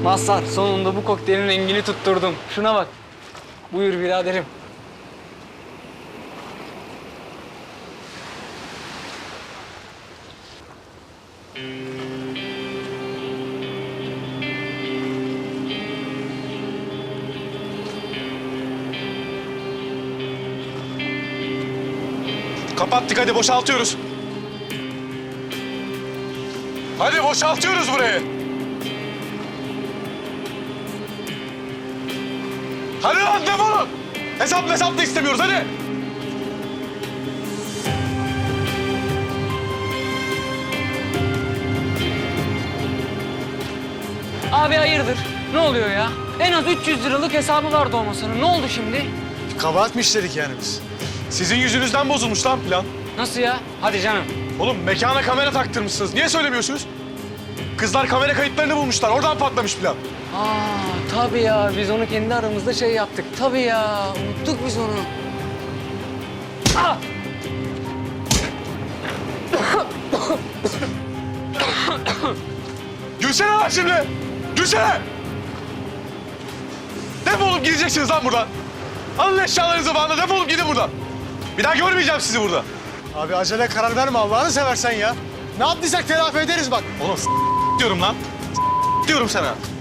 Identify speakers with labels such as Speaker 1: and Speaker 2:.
Speaker 1: Mazhar, sonunda bu kokteylin rengini tutturdum. Şuna bak. Buyur biraderim.
Speaker 2: Kapattık, hadi boşaltıyoruz. Hadi boşaltıyoruz burayı. Hadi lan defolun. Hesap da istemiyoruz, hadi.
Speaker 1: Abi hayırdır? Ne oluyor ya? En az 300 liralık hesabı vardı o masanın. Ne oldu şimdi?
Speaker 2: Kabahat mı işledik yani biz? Sizin yüzünüzden bozulmuş lan plan.
Speaker 1: Nasıl ya? Hadi canım.
Speaker 2: Oğlum mekana kamera taktırmışsınız. Niye söylemiyorsunuz? Kızlar kamera kayıtlarını bulmuşlar. Oradan patlamış plan.
Speaker 1: Tabii ya. Biz onu kendi aramızda şey yaptık. Tabii ya. Unuttuk biz onu. Ah!
Speaker 2: Gülsene lan şimdi. Gülsene. Defolup gideceksiniz lan buradan. Alın eşyalarınızı falan da defolup gidin buradan. Bir daha görmeyeceğim sizi burada.
Speaker 3: Abi acele karar verme Allah'ını seversen ya. Ne yaptıysak telafi ederiz bak.
Speaker 2: Oğlum diyorum lan. Diyorum sana.